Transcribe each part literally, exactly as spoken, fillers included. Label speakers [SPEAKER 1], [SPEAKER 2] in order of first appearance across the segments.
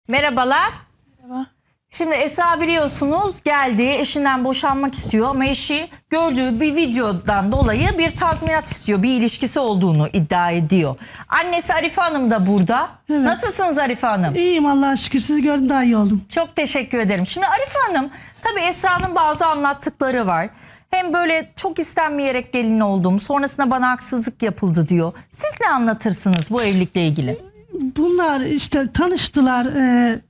[SPEAKER 1] Merhabalar.
[SPEAKER 2] Merhaba.
[SPEAKER 1] Şimdi Esra biliyorsunuz geldi, eşinden boşanmak istiyor ama eşi gördüğü bir videodan dolayı bir tazminat istiyor. Bir ilişkisi olduğunu iddia ediyor. Annesi Arife Hanım da burada.
[SPEAKER 3] Evet.
[SPEAKER 1] Nasılsınız Arife Hanım?
[SPEAKER 3] İyiyim Allah'a şükür, sizi gördüm daha iyi oldum.
[SPEAKER 1] Çok teşekkür ederim. Şimdi Arife Hanım, tabii Esra'nın bazı anlattıkları var. Hem böyle çok istenmeyerek gelin oldum, sonrasında bana haksızlık yapıldı diyor. Siz ne anlatırsınız bu evlilikle ilgili?
[SPEAKER 3] Bunlar işte tanıştılar. E,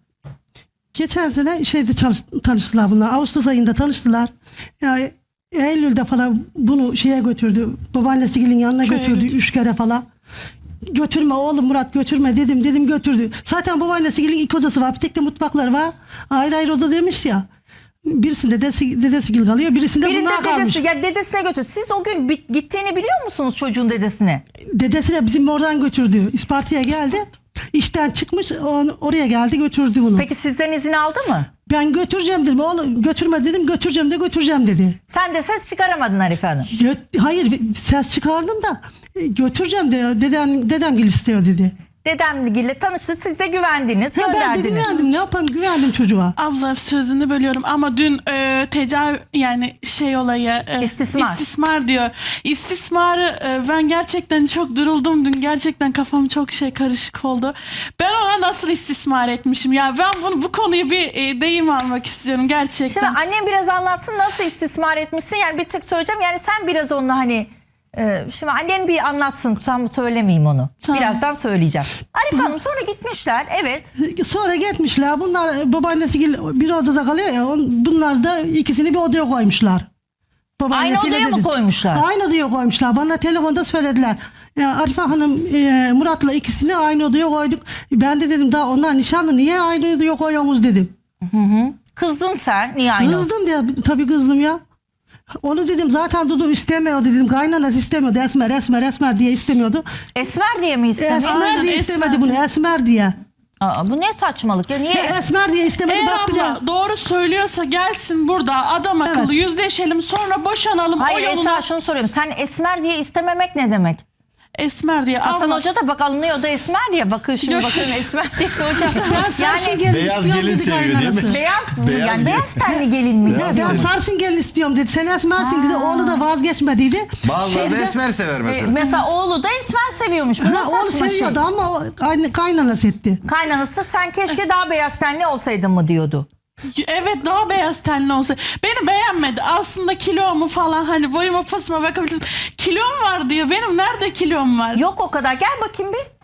[SPEAKER 3] geçen sene şeyde çalış, tanıştılar bunlar. Ağustos ayında tanıştılar. Yani Eylül'de falan bunu şeye götürdü. Babaannesi gelin yanına götürdü üç kere falan. Götürme oğlum Murat, götürme dedim dedim götürdü. Zaten babaannesi gelin iki odası var. Bir tek de mutfakları var. Ayrı ayrı oda demiş ya. Birisinde dedesi, dedesi gül kalıyor. Birisinde
[SPEAKER 1] Birinde
[SPEAKER 3] bunlar kalmış.
[SPEAKER 1] dedesi, ya dedesine götür. Siz o gün bi- gittiğini biliyor musunuz çocuğun dedesine?
[SPEAKER 3] Dedesine bizim oradan götürdü. İsparta'ya geldi. İşten çıkmış on, oraya geldi götürdü bunu.
[SPEAKER 1] Peki sizden izin aldı mı?
[SPEAKER 3] Ben götüreceğim dedim. Oğlum götürme dedim. Götüreceğim de götüreceğim dedi.
[SPEAKER 1] Sen de ses çıkaramadın Arife Hanım.
[SPEAKER 3] Gö- Hayır ses çıkardım da e, götüreceğim de dedem, dedem gel istiyor dedi.
[SPEAKER 1] Dedemle tanıştı, siz de güvendiniz,
[SPEAKER 3] Ha, ben de
[SPEAKER 1] gönderdiniz.
[SPEAKER 3] güvendim. Ne yapayım, güvendim çocuğa.
[SPEAKER 2] Abla sözünü bölüyorum ama dün e, tecavüz yani şey olayı e,
[SPEAKER 1] İstismar.
[SPEAKER 2] istismar diyor. İstismarı e, ben gerçekten çok duruldum dün, gerçekten kafam çok şey karışık oldu. Ben ona nasıl istismar etmişim ya, ben bunu bu konuyu bir e, deyim almak istiyorum gerçekten.
[SPEAKER 1] Şimdi annem biraz anlatsın nasıl istismar etmişsin, yani bir tık söyleyeceğim, yani sen biraz onunla hani e, şimdi annen bir anlatsın, tam söylemeyeyim onu.
[SPEAKER 2] Tamam.
[SPEAKER 1] Birazdan söyleyeceğim. Arife Hanım sonra gitmişler, evet.
[SPEAKER 3] Sonra gitmişler. Bunlar babaannesi gel bir odada kalıyor ya. on- Bunlar da ikisini bir odaya koymuşlar.
[SPEAKER 1] Aynı
[SPEAKER 3] Babaannesiyle
[SPEAKER 1] odaya mı
[SPEAKER 3] dedi.
[SPEAKER 1] koymuşlar?
[SPEAKER 3] Aynı odaya koymuşlar. Bana telefonda söylediler. Ya Arife Hanım e, Murat'la ikisini aynı odaya koyduk. Ben de dedim daha onlar nişanlı, niye aynı odaya koyuyorsunuz dedim.
[SPEAKER 1] Kızdın sen, niye aynı?
[SPEAKER 3] Kızdım diye, tabii kızdım ya. Onu dedim zaten Dudu istemiyordu dedim. Kaynanası istemiyordu. Esmer esmer esmer diye istemiyordu.
[SPEAKER 1] Esmer diye mi istedin?
[SPEAKER 3] Esmer
[SPEAKER 2] Aynen,
[SPEAKER 3] diye
[SPEAKER 2] Esmer
[SPEAKER 3] istemedi
[SPEAKER 2] diye.
[SPEAKER 3] bunu. Esmer diye.
[SPEAKER 1] Aa, bu ne saçmalık ya, niye?
[SPEAKER 3] Ya esmer diye istemedi.
[SPEAKER 2] Eğer
[SPEAKER 3] Bak bir de.
[SPEAKER 2] abla doğru söylüyorsa gelsin burada adam akıllı
[SPEAKER 3] Evet.
[SPEAKER 2] yüzleşelim, sonra boşanalım.
[SPEAKER 1] Hayır
[SPEAKER 2] o yolunu
[SPEAKER 1] Esra, şunu soruyorum, sen esmer diye istememek ne demek?
[SPEAKER 2] Esmer diye.
[SPEAKER 1] Hasan
[SPEAKER 2] abla,
[SPEAKER 1] Hoca da bak alınıyor da esmer diye. Bakın şimdi
[SPEAKER 2] Yok.
[SPEAKER 1] bakın esmer diye de hocam.
[SPEAKER 3] Ben sarışın gelin
[SPEAKER 4] Beyaz
[SPEAKER 3] istiyorum
[SPEAKER 4] gelin
[SPEAKER 3] dedi
[SPEAKER 4] seviyor değil mi?
[SPEAKER 3] kaynanası.
[SPEAKER 1] Beyaz,
[SPEAKER 4] Beyaz
[SPEAKER 1] yani
[SPEAKER 4] gelin.
[SPEAKER 1] beyaz tenli gelin mi?
[SPEAKER 4] Beyaz
[SPEAKER 3] Ben
[SPEAKER 4] gelin.
[SPEAKER 3] sarışın gelin istiyorum dedi. Sen esmersin dedi. Oğlu da vazgeçmediydi.
[SPEAKER 4] Bazıları
[SPEAKER 3] Şeyde
[SPEAKER 4] da
[SPEAKER 3] de-
[SPEAKER 4] esmer sever
[SPEAKER 1] E,
[SPEAKER 4] mesela.
[SPEAKER 1] mesela oğlu da esmer seviyormuş. Bu
[SPEAKER 3] Ha,
[SPEAKER 1] nasıl
[SPEAKER 3] oğlu
[SPEAKER 1] saçma şey?
[SPEAKER 3] seviyordu ama o kay- kaynanası etti.
[SPEAKER 1] Kaynanası sen keşke daha beyaz tenli olsaydın mı diyordu.
[SPEAKER 2] evet daha beyaz tenli olsa. Beni beğenmedi. Aslında kilomu falan, hani boyuma posuma bakabilirsin. Kilom var diyor. Benim nerede kilom var?
[SPEAKER 1] Yok o kadar. Gel bakayım bir.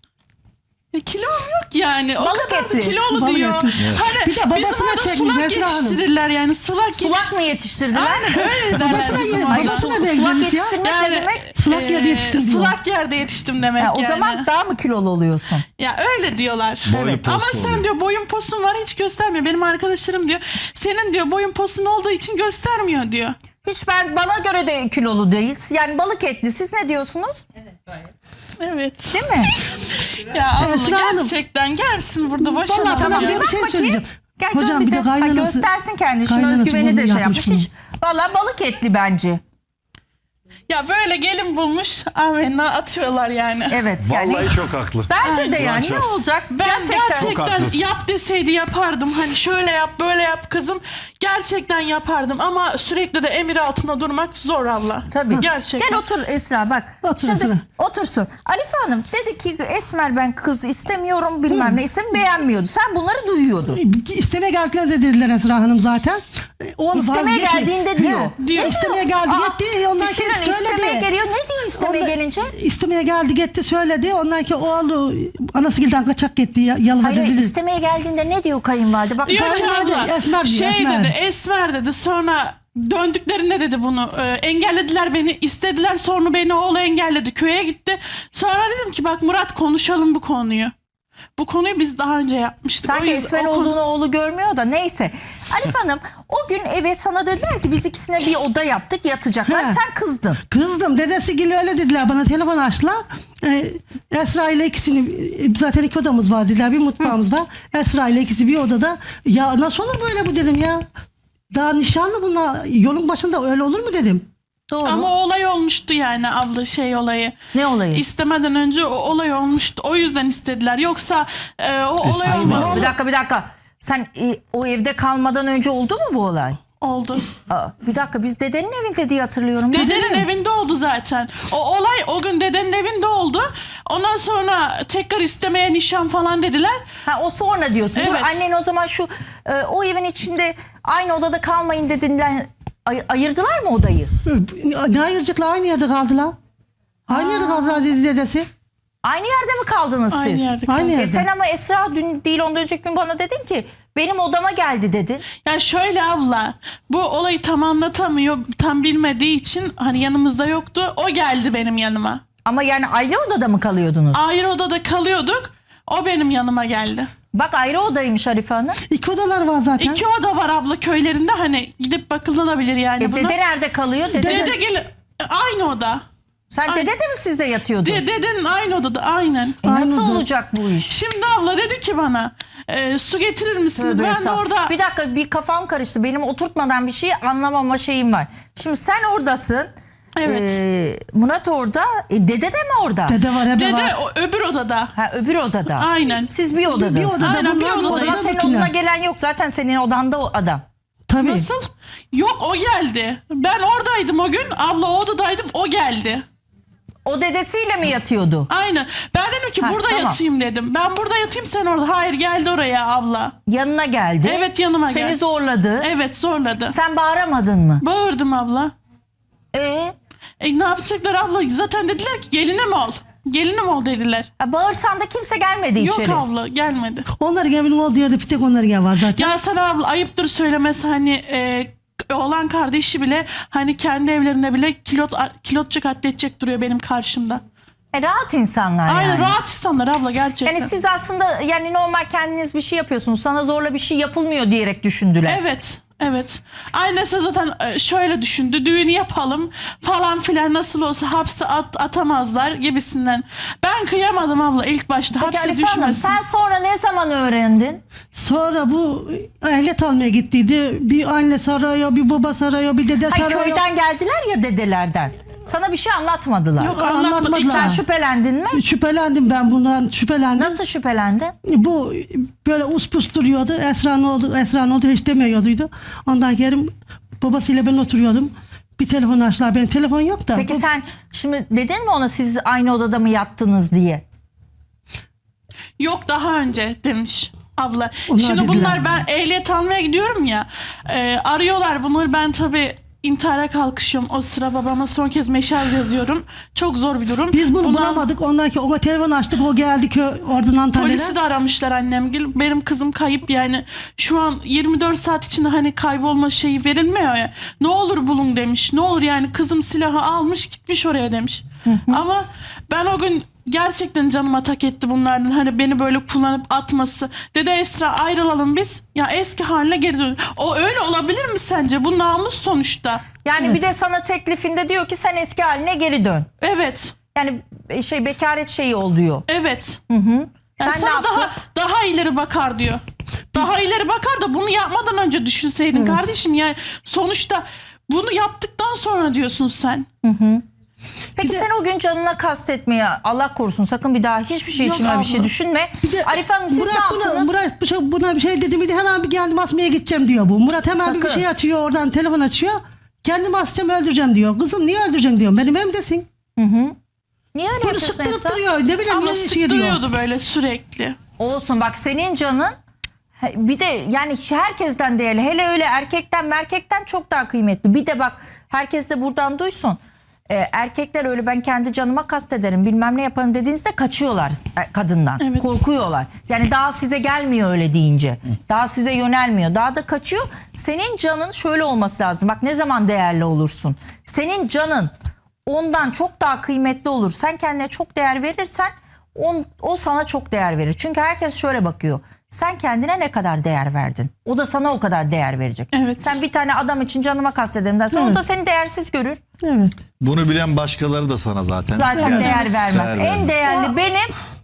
[SPEAKER 2] Ya kilom yok yani. O
[SPEAKER 1] Balık
[SPEAKER 2] kadar da
[SPEAKER 1] etli.
[SPEAKER 2] kilolu
[SPEAKER 3] Balık
[SPEAKER 2] diyor.
[SPEAKER 3] etli.
[SPEAKER 2] Hani
[SPEAKER 3] Bir de babasına
[SPEAKER 2] bizim orada
[SPEAKER 3] çekmiş
[SPEAKER 2] sulak
[SPEAKER 3] Esra Hanım.
[SPEAKER 2] yetiştirirler yani. Sulak,
[SPEAKER 1] Sulak mı yetiştirdiler?
[SPEAKER 2] Aynen öyle derler
[SPEAKER 3] Babasına
[SPEAKER 2] bizim
[SPEAKER 3] ye-
[SPEAKER 2] orada.
[SPEAKER 1] Ay,
[SPEAKER 3] babasına
[SPEAKER 1] su- sulak
[SPEAKER 3] benzemiş ya.
[SPEAKER 1] yetiştirmek ne
[SPEAKER 2] Yani
[SPEAKER 1] demek?
[SPEAKER 3] Sulak yerde yetiştim diyor.
[SPEAKER 2] Sulak yerde yetiştim demek
[SPEAKER 1] Ha, o
[SPEAKER 2] yani.
[SPEAKER 1] zaman daha mı kilolu oluyorsun?
[SPEAKER 2] Ya öyle diyorlar.
[SPEAKER 4] Boylu
[SPEAKER 2] Evet.
[SPEAKER 4] poslu
[SPEAKER 2] Ama sen
[SPEAKER 4] oluyor.
[SPEAKER 2] diyor boyun posun var, hiç göstermiyor. Benim arkadaşlarım diyor senin diyor boyun posun olduğu için göstermiyor diyor.
[SPEAKER 1] Hiç ben bana göre de kilolu değil. Yani balık etli. Siz ne diyorsunuz?
[SPEAKER 2] Evet.
[SPEAKER 1] Değil mi?
[SPEAKER 2] Ya abla
[SPEAKER 3] Esra Hanım.
[SPEAKER 2] gerçekten gelsin burada boşanalım.
[SPEAKER 3] Vallahi sana
[SPEAKER 2] ya.
[SPEAKER 3] bir
[SPEAKER 1] Bak
[SPEAKER 3] şey
[SPEAKER 1] bakayım.
[SPEAKER 3] söyleyeceğim.
[SPEAKER 1] Gel dön
[SPEAKER 3] Hocam
[SPEAKER 1] bir
[SPEAKER 3] bir
[SPEAKER 1] de
[SPEAKER 3] de
[SPEAKER 1] ha,
[SPEAKER 3] kaynanası.
[SPEAKER 1] göstersin kendini. Şunun
[SPEAKER 3] kaynanası
[SPEAKER 1] özgüveni de
[SPEAKER 3] bunu
[SPEAKER 1] şey
[SPEAKER 3] yapmış
[SPEAKER 1] yapmış.
[SPEAKER 3] bunu.
[SPEAKER 1] Hiç, valla balık etli bence.
[SPEAKER 2] Ya böyle gelin bulmuş amenna atıyorlar yani.
[SPEAKER 1] Evet yani.
[SPEAKER 4] Vallahi çok haklı.
[SPEAKER 1] Bence de
[SPEAKER 4] Kur'an
[SPEAKER 1] yani ne
[SPEAKER 4] çarpsın.
[SPEAKER 1] olacak?
[SPEAKER 2] Ben
[SPEAKER 1] gerçekten.
[SPEAKER 4] Çok
[SPEAKER 2] gerçekten
[SPEAKER 4] haklısın.
[SPEAKER 2] yap deseydi yapardım. Hani şöyle yap böyle yap kızım. Gerçekten yapardım ama sürekli de emir altında durmak zor Allah.
[SPEAKER 1] Tabii.
[SPEAKER 2] Gerçekten.
[SPEAKER 1] Gel otur Esra bak.
[SPEAKER 3] Otur
[SPEAKER 1] Şimdi
[SPEAKER 3] Esra.
[SPEAKER 1] otursun. Arife Hanım dedi ki Esmer ben kız istemiyorum bilmem ne isim beğenmiyordu. Sen bunları duyuyordun.
[SPEAKER 3] İstemeye geldiklerinde dediler Esra Hanım zaten. Oğlu
[SPEAKER 1] İstemeye
[SPEAKER 3] vazgeçmedi.
[SPEAKER 1] geldiğinde diyor.
[SPEAKER 3] He,
[SPEAKER 2] Diyor.
[SPEAKER 1] Ne
[SPEAKER 3] İstemeye geldi
[SPEAKER 1] Aa,
[SPEAKER 3] gitti. Ondan
[SPEAKER 1] düşünün,
[SPEAKER 3] sonra söyledi.
[SPEAKER 1] istemeye geliyor. Ne diyor istemeye
[SPEAKER 3] Ondan-
[SPEAKER 1] gelince?
[SPEAKER 3] İstemeye geldi gitti söyledi. Ondan ki oğlu anasıgilden kaçak gitti. ya- Yalvardı
[SPEAKER 1] Hayır
[SPEAKER 3] dedi.
[SPEAKER 1] istemeye geldiğinde ne diyor kayınvalide? Bak
[SPEAKER 2] Diyor ki
[SPEAKER 3] Kayınvalide,
[SPEAKER 2] abla,
[SPEAKER 3] Esmer diyor,
[SPEAKER 2] şey
[SPEAKER 3] Esmer.
[SPEAKER 2] dedi Esmer dedi, sonra döndüklerinde dedi bunu e, engellediler beni, istediler, sonra beni oğlu engelledi, köye gitti. Sonra dedim ki bak Murat konuşalım bu konuyu. Bu konuyu biz daha önce yapmıştık.
[SPEAKER 1] sanki
[SPEAKER 2] O yüzden
[SPEAKER 1] Esmer
[SPEAKER 2] o konu-
[SPEAKER 1] olduğunu oğlu görmüyor da neyse. Arife Hanım o gün eve sana dediler ki biz ikisine bir oda yaptık yatacaklar.
[SPEAKER 3] He.
[SPEAKER 1] Sen kızdın.
[SPEAKER 3] Kızdım. Dedesi gibi öyle dediler bana. Telefon açtılar. Ee, Esra ile ikisini e, zaten iki odamız var dediler. Bir mutfağımız var. Esra ile ikisi bir odada. Ya nasıl olur böyle bu dedim ya. Daha nişanlı bunlar. Yolun başında öyle olur mu dedim.
[SPEAKER 1] Doğru.
[SPEAKER 2] Ama o olay olmuştu yani abla şey olayı.
[SPEAKER 1] Ne olayı?
[SPEAKER 2] İstemeden önce o olay olmuştu. O yüzden istediler. Yoksa e, o olay
[SPEAKER 4] İstisna.
[SPEAKER 2] olmaz.
[SPEAKER 1] Bir dakika bir dakika. Sen e, o evde kalmadan önce oldu mu bu olay?
[SPEAKER 2] Oldu.
[SPEAKER 1] Aa, bir dakika biz dedenin evinde diye hatırlıyorum.
[SPEAKER 2] Dedenin evinde oldu zaten. O olay o gün dedenin evinde oldu. Ondan sonra tekrar istemeye nişan falan dediler.
[SPEAKER 1] Ha, o sonra diyorsun. Dur,
[SPEAKER 2] Evet.
[SPEAKER 1] annen o zaman şu e, o evin içinde aynı odada kalmayın dediğinden ay- ayırdılar mı odayı?
[SPEAKER 3] Ne ayıracaklar? Aynı yerde kaldılar. Aynı yerde kaldılar dedi dedesi.
[SPEAKER 1] Aynı yerde mi kaldınız siz?
[SPEAKER 2] Aynı yerde.
[SPEAKER 3] Aynı
[SPEAKER 1] E
[SPEAKER 3] yerde.
[SPEAKER 1] sen ama Esra dün değil ondan önceki gün bana dedin ki benim odama geldi dedin.
[SPEAKER 2] Yani şöyle abla, bu olayı tam anlatamıyor, tam bilmediği için hani yanımızda yoktu. O geldi benim yanıma.
[SPEAKER 1] Ama yani ayrı odada mı kalıyordunuz?
[SPEAKER 2] Ayrı odada kalıyorduk. O benim yanıma geldi.
[SPEAKER 1] Bak ayrı odaymış Arife Hanım.
[SPEAKER 3] İki odalar var zaten.
[SPEAKER 2] İki oda var abla köylerinde, hani gidip bakılabilir yani
[SPEAKER 1] E,
[SPEAKER 2] buna.
[SPEAKER 1] dede nerede kalıyor? Dede,
[SPEAKER 2] Dede gel aynı oda.
[SPEAKER 1] sen
[SPEAKER 2] Ay-
[SPEAKER 1] dede de mi sizde yatıyordu?
[SPEAKER 2] De, dedenin aynı odada aynen.
[SPEAKER 1] E, nasıl
[SPEAKER 3] Aynı oda.
[SPEAKER 1] olacak bu iş?
[SPEAKER 2] Şimdi abla dedi ki bana e, su getirir misin?
[SPEAKER 1] Tövbe
[SPEAKER 2] Ben de
[SPEAKER 1] estağfurullah.
[SPEAKER 2] orada
[SPEAKER 1] Bir dakika bir kafam karıştı. Benim oturtmadan bir şey anlamama şeyim var. Şimdi sen oradasın.
[SPEAKER 2] Evet.
[SPEAKER 1] Ee, Murat orada. E, dede de mi orada?
[SPEAKER 3] Dede var, ebe
[SPEAKER 2] dede
[SPEAKER 3] var.
[SPEAKER 2] o, öbür odada.
[SPEAKER 1] Ha, öbür odada.
[SPEAKER 2] Aynen.
[SPEAKER 1] Siz bir odadasınız.
[SPEAKER 3] Bir odada
[SPEAKER 2] Aynen, bir
[SPEAKER 3] bunlar,
[SPEAKER 2] odada.
[SPEAKER 1] O zaman
[SPEAKER 3] odada
[SPEAKER 1] senin
[SPEAKER 3] bakıyorlar.
[SPEAKER 1] odana gelen yok. Zaten senin odanda o adam.
[SPEAKER 3] Tabii.
[SPEAKER 2] Nasıl? Yok, o geldi. Ben oradaydım o gün. Abla o odadaydım, o geldi.
[SPEAKER 1] O dedesiyle mi yatıyordu?
[SPEAKER 2] Aynen. Ben dedim ki
[SPEAKER 1] Ha,
[SPEAKER 2] burada
[SPEAKER 1] tamam.
[SPEAKER 2] yatayım dedim. Ben burada yatayım, sen orada. Hayır, geldi oraya abla.
[SPEAKER 1] Yanına geldi.
[SPEAKER 2] Evet, yanıma
[SPEAKER 1] Seni
[SPEAKER 2] geldi.
[SPEAKER 1] zorladı.
[SPEAKER 2] Evet, zorladı.
[SPEAKER 1] Sen bağıramadın mı?
[SPEAKER 2] Bağırdım abla.
[SPEAKER 1] Ee,
[SPEAKER 2] E ne yapacaklar abla? Zaten dediler ki gelinim ol. Gelinim ol dediler.
[SPEAKER 1] ha, bağırsan da kimse gelmedi
[SPEAKER 2] Yok
[SPEAKER 1] içeri.
[SPEAKER 2] abla, gelmedi.
[SPEAKER 3] Onların evinin olduğu yerde bir tek onların evi var zaten.
[SPEAKER 2] Ya sana abla ayıptır söylemesi, hani e, oğlan kardeşi bile hani kendi evlerinde bile kilot kilotça katledecek duruyor benim karşımda.
[SPEAKER 1] E, rahat insanlar
[SPEAKER 2] Aynen,
[SPEAKER 1] yani.
[SPEAKER 2] rahat insanlar abla gerçekten.
[SPEAKER 1] Yani siz aslında yani normal kendiniz bir şey yapıyorsunuz. Sana zorla bir şey yapılmıyor diyerek düşündüler.
[SPEAKER 2] Evet. Evet. Annesi zaten e, şöyle düşündü. Düğünü yapalım falan filan, nasıl olsa hapse at, atamazlar gibisinden. Ben kıyamadım abla ilk başta.
[SPEAKER 1] Peki
[SPEAKER 2] Hapse
[SPEAKER 1] Arife Hanım
[SPEAKER 2] düşmesin.
[SPEAKER 1] sen sonra ne zaman öğrendin?
[SPEAKER 3] Sonra bu ehliyet almaya gittiydi. Bir anne sarıyor, bir baba sarıyor, bir dede
[SPEAKER 1] Hayır,
[SPEAKER 3] sarıyor.
[SPEAKER 1] köyden geldiler ya dedelerden. Sana bir şey anlatmadılar.
[SPEAKER 2] Yok,
[SPEAKER 3] Anlatmadılar.
[SPEAKER 2] anlatmadık.
[SPEAKER 1] Sen şüphelendin mi?
[SPEAKER 3] Şüphelendim ben bundan, şüphelendim.
[SPEAKER 1] Nasıl şüphelendin?
[SPEAKER 3] Bu böyle uspus duruyordu. Esra ne oldu, Esra ne oldu hiç demiyorduydu. Ondan geri babasıyla ben oturuyordum. Bir telefon açtılar. Benim telefon yok da.
[SPEAKER 1] Peki
[SPEAKER 3] Bu-
[SPEAKER 1] sen şimdi dedin mi ona siz aynı odada mı yattınız diye?
[SPEAKER 2] Yok, daha önce demiş abla.
[SPEAKER 3] Onlar
[SPEAKER 2] Şimdi
[SPEAKER 3] dediler.
[SPEAKER 2] bunlar, ben ehliyet almaya gidiyorum ya. e, arıyorlar bunları, ben tabii intihara kalkışıyorum. O sıra babama son kez meşaz yazıyorum. Çok zor bir durum.
[SPEAKER 3] Biz bunu
[SPEAKER 2] Bundan-
[SPEAKER 3] bulamadık. Ondan ki ona telefon açtık. O geldi ki oradan Antalya'dan.
[SPEAKER 2] Polisi de aramışlar annemgil. Benim kızım kayıp yani. Şu an yirmi dört saat içinde hani kaybolma şeyi verilmiyor ya. Ne olur bulun demiş. Ne olur yani, kızım silahı almış gitmiş oraya demiş. Ama ben o gün gerçekten canıma tak etti bunlardan. Hani beni böyle kullanıp atması. Dede Esra ayrılalım biz. Ya eski haline geri dön. O öyle olabilir mi sence? Bu namus sonuçta.
[SPEAKER 1] Yani bir de sana teklifinde diyor ki sen eski haline geri dön.
[SPEAKER 2] Evet.
[SPEAKER 1] Yani şey bekaret şeyi ol diyor.
[SPEAKER 2] Evet.
[SPEAKER 1] Sen
[SPEAKER 2] Yani
[SPEAKER 1] ne
[SPEAKER 2] sana
[SPEAKER 1] yaptın?
[SPEAKER 2] daha daha ileri bakar diyor. Daha ileri bakar da bunu yapmadan önce düşünseydin kardeşim. Yani sonuçta bunu yaptıktan sonra diyorsun sen.
[SPEAKER 1] Peki sen o gün canına kastetmeye Allah korusun sakın bir daha hiçbir şey
[SPEAKER 2] Yok
[SPEAKER 1] için öyle bir şey
[SPEAKER 2] abla.
[SPEAKER 1] düşünme.
[SPEAKER 3] Bir de
[SPEAKER 1] Arife Hanım siz
[SPEAKER 3] Murat
[SPEAKER 1] ne
[SPEAKER 3] buna,
[SPEAKER 1] yaptınız?
[SPEAKER 3] Murat bir şey- buna bir şey dedi miydi hemen bir kendim asmaya gideceğim diyor bu. Murat hemen bir, bir
[SPEAKER 1] Sakın.
[SPEAKER 3] şey açıyor oradan telefon açıyor. Kendimi asacağım öldüreceğim diyor. Kızım niye öldüreceksin diyor. Benim evimdesin.
[SPEAKER 1] Niye öyle
[SPEAKER 3] Bunu
[SPEAKER 1] yapıyorsun
[SPEAKER 3] sıktırıp
[SPEAKER 1] Esra?
[SPEAKER 3] duruyor. Ne bileyim
[SPEAKER 2] Ama
[SPEAKER 3] ne şey diyor.
[SPEAKER 2] sıktırıyordu böyle sürekli.
[SPEAKER 1] Olsun bak senin canın he- bir de yani herkesten değerli. Hele öyle erkekten merkekten çok daha kıymetli. Bir de bak herkes de buradan duysun. Ee, erkekler öyle ben kendi canıma kastederim bilmem ne yaparım dediğinizde kaçıyorlar e, kadından.
[SPEAKER 2] Evet.
[SPEAKER 1] Korkuyorlar. Yani daha size gelmiyor öyle deyince. Daha size yönelmiyor. Daha da kaçıyor. Senin canın şöyle olması lazım. Bak ne zaman değerli olursun. Senin canın ondan çok daha kıymetli olur. Sen kendine çok değer verirsen on, o sana çok değer verir. Çünkü herkes şöyle bakıyor. Sen kendine ne kadar değer verdin? O da sana o kadar değer verecek.
[SPEAKER 2] Evet.
[SPEAKER 1] Sen bir tane adam için canıma kastederim dersen o
[SPEAKER 3] Evet.
[SPEAKER 1] da seni değersiz görür.
[SPEAKER 3] Evet.
[SPEAKER 4] Bunu bilen başkaları da sana zaten.
[SPEAKER 1] Zaten
[SPEAKER 4] Yani
[SPEAKER 1] değer vermez.
[SPEAKER 4] değer
[SPEAKER 1] En
[SPEAKER 4] vermez.
[SPEAKER 1] değerli benim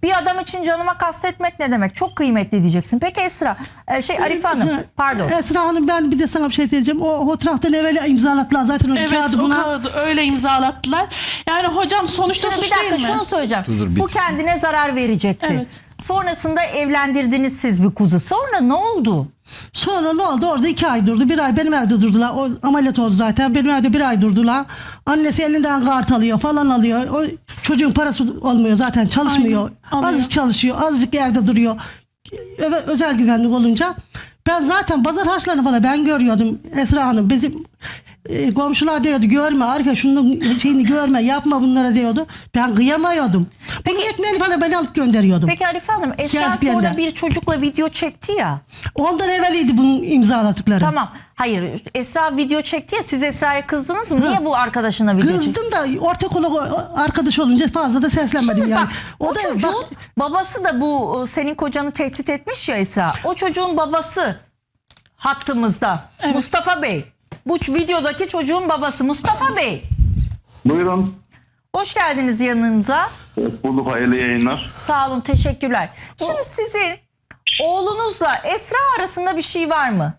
[SPEAKER 1] Bir adam için canıma kastetmek ne demek? Çok kıymetli diyeceksin. Peki Esra, e, şey Arife Hanım, pardon.
[SPEAKER 3] Esra Hanım, ben bir de sana bir şey diyeceğim. O fotoğraftan evvel imzalattılar zaten o
[SPEAKER 2] Evet,
[SPEAKER 3] kağıdı
[SPEAKER 2] o
[SPEAKER 3] buna.
[SPEAKER 2] kağıdı öyle imzalattılar. Yani hocam sonuçta
[SPEAKER 1] Şimdi bir
[SPEAKER 2] suç
[SPEAKER 1] dakika
[SPEAKER 2] değil mi?
[SPEAKER 1] şunu söyleyeceğim.
[SPEAKER 4] Dur, dur,
[SPEAKER 1] Bu
[SPEAKER 4] bitsin.
[SPEAKER 1] kendine zarar verecekti.
[SPEAKER 2] Evet.
[SPEAKER 1] Sonrasında evlendirdiniz siz bir kuzu. Sonra ne oldu?
[SPEAKER 3] Sonra ne oldu? Orada iki ay durdu. Bir ay benim evde durdular. O ameliyat oldu zaten. Benim evde bir ay durdular. Annesi elinden kart alıyor falan alıyor. O çocuğun parası olmuyor zaten, çalışmıyor.
[SPEAKER 2] Aynen, alıyor.
[SPEAKER 3] Azıcık çalışıyor. Azıcık evde duruyor. Öve- Özel güvenlik olunca. Ben zaten pazar harçlarını falan ben görüyordum Esra Hanım. Bizim e, komşular diyordu, görme Arife şunun şeyini görme, yapma bunlara diyordu. Ben kıyamıyordum. Peki, bunun ekmeğini falan ben alıp gönderiyordum.
[SPEAKER 1] Peki Arife Hanım, Esra
[SPEAKER 3] Geldik bir
[SPEAKER 1] sonra
[SPEAKER 3] yerden.
[SPEAKER 1] bir çocukla video çekti ya.
[SPEAKER 3] Ondan evveliydi bunun imzaladıkları.
[SPEAKER 1] Tamam. Hayır, Esra video çekti ya, siz Esra'ya kızdınız mı? Niye bu arkadaşına video çekti?
[SPEAKER 3] Kızdım da ortak ol- arkadaş olunca fazla da seslenmedim
[SPEAKER 1] Şimdi
[SPEAKER 3] yani.
[SPEAKER 1] bak, o,
[SPEAKER 3] da-
[SPEAKER 1] çocuğun
[SPEAKER 3] bak-
[SPEAKER 1] babası da bu senin kocanı tehdit etmiş ya Esra. O çocuğun babası hattımızda. Mustafa Bey. Bu ç- videodaki çocuğun babası Mustafa Bey.
[SPEAKER 5] Buyurun.
[SPEAKER 1] Hoş geldiniz yanımıza.
[SPEAKER 5] Hoş bulduk. Hayırlı yayınlar.
[SPEAKER 1] Sağ olun, teşekkürler. Şimdi sizin oğlunuzla Esra arasında bir şey var mı?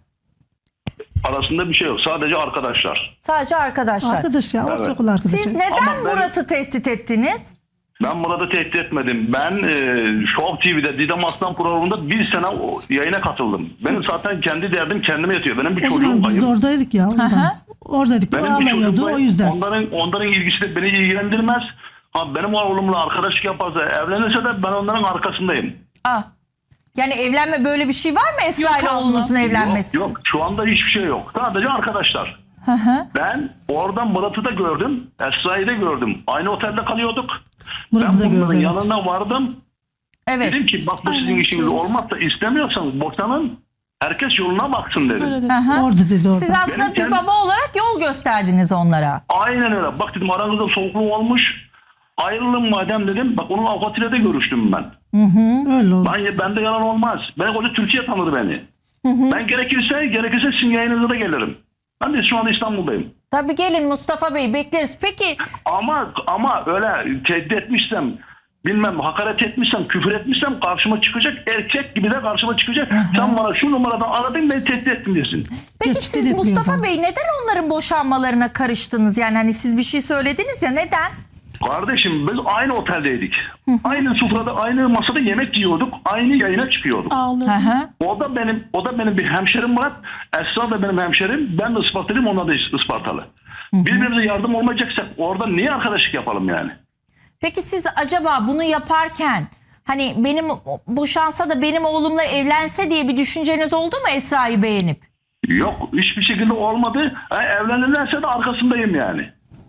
[SPEAKER 5] Arasında bir şey yok. Sadece arkadaşlar.
[SPEAKER 1] Sadece arkadaşlar.
[SPEAKER 3] Arkadaş ya,
[SPEAKER 5] Evet.
[SPEAKER 3] ortak ol arkadaş.
[SPEAKER 1] Siz neden
[SPEAKER 5] Ama ben-
[SPEAKER 1] Murat'ı tehdit ettiniz?
[SPEAKER 5] Ben Murat'ı tehdit etmedim. Ben e, Show T V'de Didem Aslan programında bir sene o yayına katıldım. Benim zaten kendi derdim kendime yatıyor. Benim bir
[SPEAKER 3] O
[SPEAKER 5] çocuğum
[SPEAKER 3] zaman biz de
[SPEAKER 5] kayıp.
[SPEAKER 3] oradaydık ya. ondan.
[SPEAKER 1] Aha.
[SPEAKER 3] Oradaydık. O
[SPEAKER 5] Benim bir
[SPEAKER 3] ağlamıyordu
[SPEAKER 5] çocuğum
[SPEAKER 3] o
[SPEAKER 5] kayıp.
[SPEAKER 3] yüzden.
[SPEAKER 5] Onların, onların ilgisi de beni ilgilendirmez. Ha, benim oğlumla arkadaşlık yaparsa, evlenirse de ben onların arkasındayım.
[SPEAKER 1] Ah. Yani evlenme, böyle bir şey var mı Esra ile
[SPEAKER 2] abla.
[SPEAKER 1] oğlunuzun evlenmesi?
[SPEAKER 5] Yok, yok. Şu anda hiçbir şey yok. Sadece arkadaşlar.
[SPEAKER 1] Hı hı.
[SPEAKER 5] Ben oradan Murat'ı da gördüm. Esra'yı da gördüm. Aynı otelde kalıyorduk.
[SPEAKER 3] Murat'ı da
[SPEAKER 5] ben bunların
[SPEAKER 3] gördüm.
[SPEAKER 5] yanına vardım.
[SPEAKER 1] Evet.
[SPEAKER 5] Dedim ki bak bu sizin
[SPEAKER 2] Aynen,
[SPEAKER 5] işiniz
[SPEAKER 2] şey
[SPEAKER 5] olmazsa istemiyorsanız boşanın. Herkes yoluna baksın dedim.
[SPEAKER 2] Böyle dedi.
[SPEAKER 1] Hı hı.
[SPEAKER 3] Orada dedi orada.
[SPEAKER 1] Siz aslında
[SPEAKER 5] Benim
[SPEAKER 1] bir
[SPEAKER 5] kendi-
[SPEAKER 1] baba olarak yol gösterdiniz onlara.
[SPEAKER 5] Aynen öyle. Bak dedim aranızda soğukluk olmuş. Ayrılın madem dedim. Bak onun avukatıyla da görüştüm ben.
[SPEAKER 3] Öyle oldu.
[SPEAKER 5] Ben, bende yalan olmaz. Ben koca Türkiye tanır beni. Ben gerekirse gerekirse sizin yayınınıza da gelirim. Ben de şu anda İstanbul'dayım.
[SPEAKER 1] Tabii gelin Mustafa Bey, bekleriz. Peki
[SPEAKER 5] Ama ama öyle tehdit etmişsem, bilmem hakaret etmişsem, küfür etmişsem karşıma çıkacak. Erkek gibi de karşıma çıkacak. Sen bana şu numaradan aradın, beni tehdit ettin desin.
[SPEAKER 1] peki
[SPEAKER 3] Tespit
[SPEAKER 1] siz
[SPEAKER 3] etmiyor
[SPEAKER 1] Mustafa
[SPEAKER 3] ben.
[SPEAKER 1] Bey neden onların boşanmalarına karıştınız? Yani hani siz bir şey söylediniz ya, neden?
[SPEAKER 5] Kardeşim biz aynı oteldeydik. Aynı sofrada, aynı masada yemek yiyorduk. Aynı yayına çıkıyorduk.
[SPEAKER 2] Ağladı.
[SPEAKER 1] Hı hı.
[SPEAKER 5] O da benim o da benim bir hemşerim Murat. Esra da benim hemşerim. Ben de Ispartalıyım, onlar da Ispartalı. Birbirimize yardım olmayacaksak orada niye arkadaşlık yapalım yani?
[SPEAKER 1] Peki siz acaba bunu yaparken hani benim boşansa da benim oğlumla evlense diye bir düşünceniz oldu mu Esra'yı beğenip?
[SPEAKER 5] Yok, hiçbir şekilde olmadı. Ha, evlenirlerse de arkasındayım yani.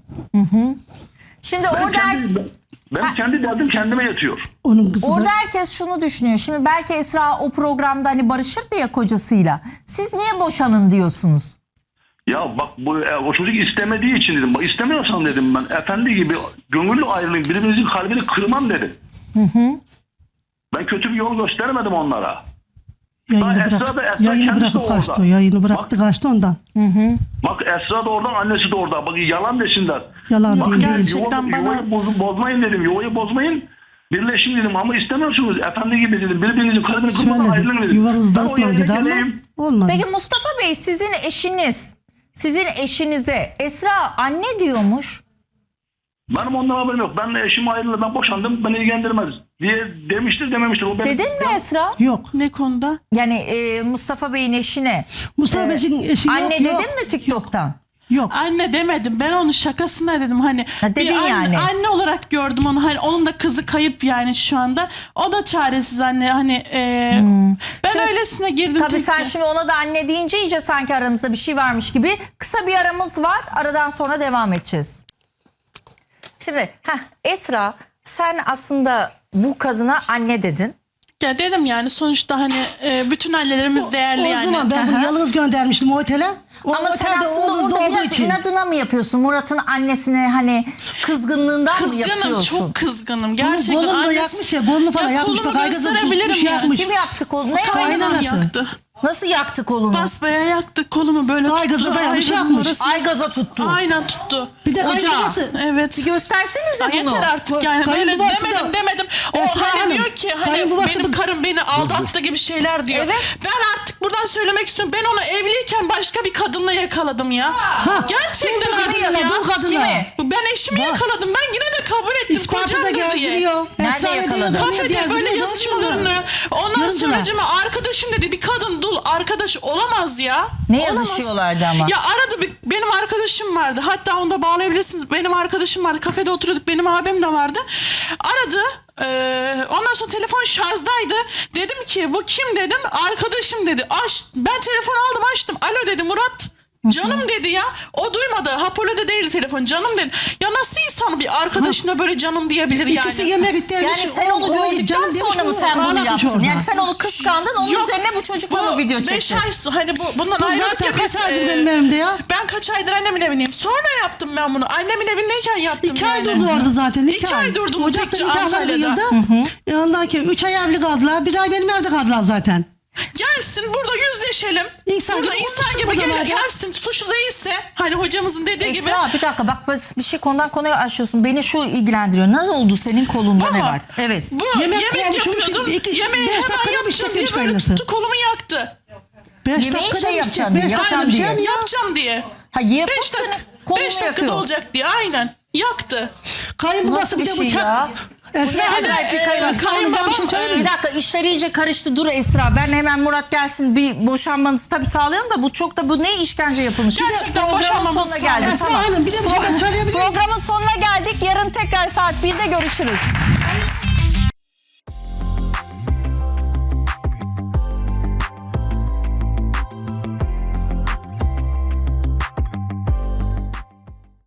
[SPEAKER 1] Şimdi
[SPEAKER 5] Ben
[SPEAKER 1] orada
[SPEAKER 5] kendi, ben kendi derdim kendime yatıyor.
[SPEAKER 3] Onun kızı
[SPEAKER 1] Orada
[SPEAKER 3] da
[SPEAKER 1] herkes şunu düşünüyor. Şimdi belki Esra o programda hani barışırdı ya kocasıyla. Siz niye boşanın diyorsunuz?
[SPEAKER 5] Ya bak bu e, o çocuk istemediği için dedim. Bak istemiyorsan dedim ben. Efendi gibi gönüllü ayrılayım. Birbirimizin kalbini kırmam dedim. Ben kötü bir yol göstermedim onlara.
[SPEAKER 3] yayını,
[SPEAKER 5] Esra
[SPEAKER 3] bırak,
[SPEAKER 5] da- Esra
[SPEAKER 3] yayını
[SPEAKER 5] kendisi
[SPEAKER 3] bırakıp
[SPEAKER 5] de
[SPEAKER 3] kaçtı.
[SPEAKER 5] orada.
[SPEAKER 3] O yayını bıraktı kaçtı ondan.
[SPEAKER 5] Bak Esra da orada, annesi de orada. Bak yalan desinler.
[SPEAKER 3] Yalan
[SPEAKER 5] Bak,
[SPEAKER 3] değil.
[SPEAKER 5] yani
[SPEAKER 3] değil.
[SPEAKER 2] Gerçekten
[SPEAKER 5] yuva-
[SPEAKER 2] bana-
[SPEAKER 5] Yuvayı boz- bozmayın dedim. Yuvayı bozmayın. Birleşin dedim ama istemiyorsunuz. Efendi gibi dedim. Birbirinizin kalbini kırmadan ayrılın
[SPEAKER 3] Söyledi.
[SPEAKER 5] dedim.
[SPEAKER 3] Yuvanızı
[SPEAKER 5] Ben o
[SPEAKER 3] dağıtmayın
[SPEAKER 5] yayına
[SPEAKER 3] dedi ama
[SPEAKER 5] geleyim.
[SPEAKER 3] olmadı.
[SPEAKER 1] Peki Mustafa Bey, sizin eşiniz, sizin eşinize Esra anne diyormuş.
[SPEAKER 5] Benim ondan haberim yok. Ben eşim ayrıldı, ben boşandım, beni ilgilendirmez diye demiştir dememiştir. O benim-
[SPEAKER 1] Dedin mi Esra?
[SPEAKER 3] Yok.
[SPEAKER 2] Ne konuda?
[SPEAKER 1] Yani e, Mustafa Bey'in eşine.
[SPEAKER 3] Mustafa
[SPEAKER 1] e,
[SPEAKER 3] Bey'in eşi yok.
[SPEAKER 1] Anne
[SPEAKER 3] yok.
[SPEAKER 1] dedin mi TikTok'tan?
[SPEAKER 3] Yok.
[SPEAKER 2] Anne demedim. Ben onun şakasına dedim. Hani
[SPEAKER 1] Ha, dedin
[SPEAKER 2] bir anne,
[SPEAKER 1] yani.
[SPEAKER 2] anne olarak gördüm onu. Hani onun da kızı kayıp yani şu anda. O da çaresiz anne. Hani e, ben
[SPEAKER 1] Şimdi-
[SPEAKER 2] öylesine girdim.
[SPEAKER 1] Tabii sen
[SPEAKER 2] Türkçe.
[SPEAKER 1] şimdi ona da anne deyince iyice sanki aranızda bir şey varmış gibi. Kısa bir aramız var. Aradan sonra devam edeceğiz. Şimdi heh, Esra, sen aslında bu kadına anne dedin.
[SPEAKER 2] Ya dedim yani sonuçta hani e, bütün annelerimiz değerli
[SPEAKER 3] O
[SPEAKER 2] yani.
[SPEAKER 3] zaman ben bunu yalnız göndermiştim o otele. O
[SPEAKER 1] Ama sen
[SPEAKER 3] otelde
[SPEAKER 1] aslında
[SPEAKER 3] oğlum
[SPEAKER 1] orada
[SPEAKER 3] doğduğu
[SPEAKER 1] biraz
[SPEAKER 3] için.
[SPEAKER 1] inadına mı yapıyorsun? Murat'ın annesine hani kızgınlığından mı
[SPEAKER 2] Kızgınım,
[SPEAKER 1] yapıyorsun?
[SPEAKER 2] çok kızgınım.
[SPEAKER 3] Bunu
[SPEAKER 2] Gerçekten
[SPEAKER 3] kolunu da
[SPEAKER 2] annesi-
[SPEAKER 3] yakmış ya, kolunu falan
[SPEAKER 2] Ya
[SPEAKER 3] yakmış.
[SPEAKER 2] kolumu
[SPEAKER 3] Bak, aygazını
[SPEAKER 2] gösterebilirim
[SPEAKER 3] tutmuş,
[SPEAKER 2] yani.
[SPEAKER 3] yakmış.
[SPEAKER 1] Kim yaptı kolu? Ne
[SPEAKER 2] Kaynanam
[SPEAKER 3] Kaynanası.
[SPEAKER 2] yaktı.
[SPEAKER 1] Nasıl yaktı kolunu?
[SPEAKER 2] Basbaya yaktı kolumu böyle
[SPEAKER 3] Ay,
[SPEAKER 2] tuttu.
[SPEAKER 3] gaza dayamış,
[SPEAKER 2] Ay,
[SPEAKER 3] yakmış.
[SPEAKER 2] orası-
[SPEAKER 1] Ay gaza tuttu.
[SPEAKER 2] Aynen tuttu.
[SPEAKER 3] Bir de
[SPEAKER 1] Ocağı.
[SPEAKER 3] kayınbabası.
[SPEAKER 2] Evet.
[SPEAKER 1] Bir göstersenize
[SPEAKER 2] Ay,
[SPEAKER 1] bunu.
[SPEAKER 2] yeter artık yani böyle
[SPEAKER 3] Kayınbabası
[SPEAKER 2] demedim
[SPEAKER 3] da-
[SPEAKER 2] demedim. O
[SPEAKER 3] Esra
[SPEAKER 2] hani
[SPEAKER 3] Hanım,
[SPEAKER 2] diyor ki hani
[SPEAKER 3] kayınbabası
[SPEAKER 2] benim
[SPEAKER 3] da-
[SPEAKER 2] karım beni aldattı gibi şeyler diyor.
[SPEAKER 1] Evet.
[SPEAKER 2] Ben artık buradan söylemek istiyorum. Ben onu evliyken başka bir kadınla yakaladım ya. Gerçekten
[SPEAKER 3] kim
[SPEAKER 2] artık
[SPEAKER 3] kadınla,
[SPEAKER 2] ya.
[SPEAKER 3] bu kadınla?
[SPEAKER 1] Kimi?
[SPEAKER 2] Ben eşimi
[SPEAKER 3] Bak.
[SPEAKER 2] yakaladım. Ben yine de kabul ettim.
[SPEAKER 3] İspatı da
[SPEAKER 2] Kocamdır diye.
[SPEAKER 3] gezdiriyor.
[SPEAKER 1] Nerede
[SPEAKER 3] Esra
[SPEAKER 1] yakaladı?
[SPEAKER 3] ediyor,
[SPEAKER 2] Kafede
[SPEAKER 3] gezdiriyor,
[SPEAKER 2] böyle
[SPEAKER 3] gezdiriyor.
[SPEAKER 2] yazışmalarını. Ondan
[SPEAKER 3] Görüntüler.
[SPEAKER 2] sonra arkadaşım dedi bir kadın dul arkadaş olamaz ya.
[SPEAKER 1] Ne
[SPEAKER 2] Olamaz.
[SPEAKER 1] yazışıyorlardı ama?
[SPEAKER 2] Ya aradı bir, benim arkadaşım vardı. Hatta onu da bağlayabilirsiniz. Benim arkadaşım vardı. Kafede oturuyorduk. Benim abim de vardı. Aradı. Ee, ondan sonra telefon şarjdaydı. Dedim ki bu kim dedim. Arkadaşım dedi. Aç, ben telefon aldım açtım. Alo dedi Murat. Canım dedi ya. O duymadı. Hapolo'da değil telefon. Canım dedi. Ya nasıl insan bir arkadaşına böyle canım diyebilir yani?
[SPEAKER 3] İkisi yemek istemiş.
[SPEAKER 1] Yani sen onu gördükten sonra mı sen bunu yaptın? Yani sen onu kıskandın, onun
[SPEAKER 2] Yok,
[SPEAKER 1] üzerine bu çocukla mı video
[SPEAKER 2] beş
[SPEAKER 1] çektin?
[SPEAKER 2] ay so- hani bu bundan
[SPEAKER 3] Bu
[SPEAKER 2] ayrıldık
[SPEAKER 3] zaten
[SPEAKER 2] ya biz,
[SPEAKER 3] kaç aydır
[SPEAKER 2] e,
[SPEAKER 3] benim evimde ya?
[SPEAKER 2] Ben kaç aydır annemin evindeyim. Sonra yaptım ben bunu. Annemin evindeyken yaptım
[SPEAKER 3] İki ay
[SPEAKER 2] yani.
[SPEAKER 3] durdu orada zaten. İki,
[SPEAKER 2] İki ay durdum
[SPEAKER 3] Ocak'ta
[SPEAKER 2] tekçe
[SPEAKER 3] nikahlar
[SPEAKER 2] Antalya'da.
[SPEAKER 3] kıyıldı. E Ondan ki üç ay evli kaldılar. Bir ay benim evde kaldılar zaten.
[SPEAKER 2] Gelsin burada yüzleşelim.
[SPEAKER 3] İnsan
[SPEAKER 2] burada
[SPEAKER 3] gibi
[SPEAKER 2] insan
[SPEAKER 3] konuşsun
[SPEAKER 2] gibi
[SPEAKER 3] burada
[SPEAKER 2] gel,
[SPEAKER 3] madem.
[SPEAKER 2] gelsin. Suçlu değilse hani hocamızın dediği gibi.
[SPEAKER 1] Esra bir dakika bak bir şey konudan konuya açıyorsun. Beni şu ilgilendiriyor. Nasıl oldu senin kolunda ne
[SPEAKER 2] Ama
[SPEAKER 1] var? Evet.
[SPEAKER 2] Bu
[SPEAKER 3] Yemek
[SPEAKER 2] yemek,
[SPEAKER 3] konuşmuş,
[SPEAKER 2] yapıyordum.
[SPEAKER 3] iki-
[SPEAKER 2] Yemeği
[SPEAKER 3] beş
[SPEAKER 2] hemen
[SPEAKER 3] dakikada bir
[SPEAKER 2] yapacağım
[SPEAKER 3] şey
[SPEAKER 2] diye
[SPEAKER 3] demiş
[SPEAKER 2] böyle
[SPEAKER 3] kaynası.
[SPEAKER 2] tuttu kolumu yaktı.
[SPEAKER 3] Beş
[SPEAKER 1] Yemeği
[SPEAKER 3] dakikada
[SPEAKER 1] şey
[SPEAKER 3] bir
[SPEAKER 1] yapacaksın
[SPEAKER 3] beş
[SPEAKER 1] diye,
[SPEAKER 3] dakikada
[SPEAKER 1] yapacağım
[SPEAKER 3] bir
[SPEAKER 1] diye.
[SPEAKER 3] şey mi ya?
[SPEAKER 2] Yapacağım diye.
[SPEAKER 1] Ha yapıp
[SPEAKER 2] Beş
[SPEAKER 1] seni
[SPEAKER 2] dakika,
[SPEAKER 1] kolunu
[SPEAKER 2] beş dakikada
[SPEAKER 1] yakıyor.
[SPEAKER 2] olacak diye aynen. Yaktı.
[SPEAKER 3] Kayınbabası
[SPEAKER 1] Nasıl
[SPEAKER 3] bir
[SPEAKER 1] bir
[SPEAKER 3] de
[SPEAKER 1] şey
[SPEAKER 3] bıçak.
[SPEAKER 1] ya? Bu ne
[SPEAKER 3] Esra Hanım.
[SPEAKER 1] acayip bir
[SPEAKER 3] e,
[SPEAKER 1] kayınbaba.
[SPEAKER 3] kayınbabam bir şey söyleyeyim
[SPEAKER 1] Bir
[SPEAKER 3] mi?
[SPEAKER 1] dakika işler iyice karıştı. Dur Esra ben hemen Murat gelsin bir boşanmanızı tabii sağlayalım da bu çok da bu ne işkence yapılmış. Bir de
[SPEAKER 2] Gerçekten
[SPEAKER 1] programın
[SPEAKER 2] boşanmamızı
[SPEAKER 1] sonuna geldik.
[SPEAKER 3] Esra Hanım bir de bir şey söyleyebilir miyim?
[SPEAKER 1] Programın sonuna geldik. Yarın tekrar saat birde görüşürüz.